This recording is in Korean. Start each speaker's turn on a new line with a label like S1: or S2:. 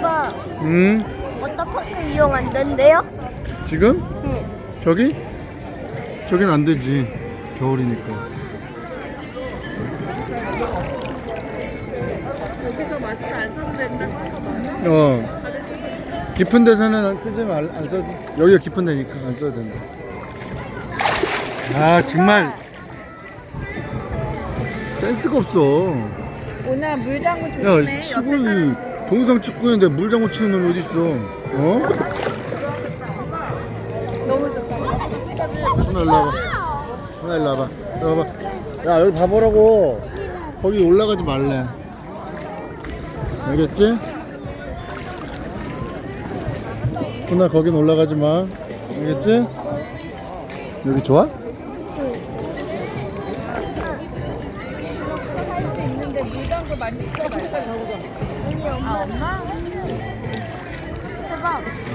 S1: 아빠,
S2: 응?
S1: 워터파크 이용 안 된대요?
S2: 지금?
S1: 응.
S2: 저기? 저긴 안 되지. 겨울이니까.
S3: 여기서 마스크 안 써도 된다고 한 거 맞아?
S2: 깊은 데서는 안 써도. 여기가 깊은 데니까 안 써도 된다. 아, 정말 센스가 없어.
S3: 오늘 물장구
S2: 야, 축구 동상 축구인데 물장구 치는 놈이 어디 있어? 어?
S3: 너무 좋다.
S2: 하나 일로 와봐. 하나 일로 와봐. 일로 와봐. 야, 여기 봐보라고. 거기 올라가지 말래. 알겠지? 그날 거긴 올라가지 마. 알겠지? 여기 좋아?
S3: 할 수 있는데 물장구 많이 치지 말자.
S1: 아니, 엄마.
S3: 아, 엄마?
S1: 해봐.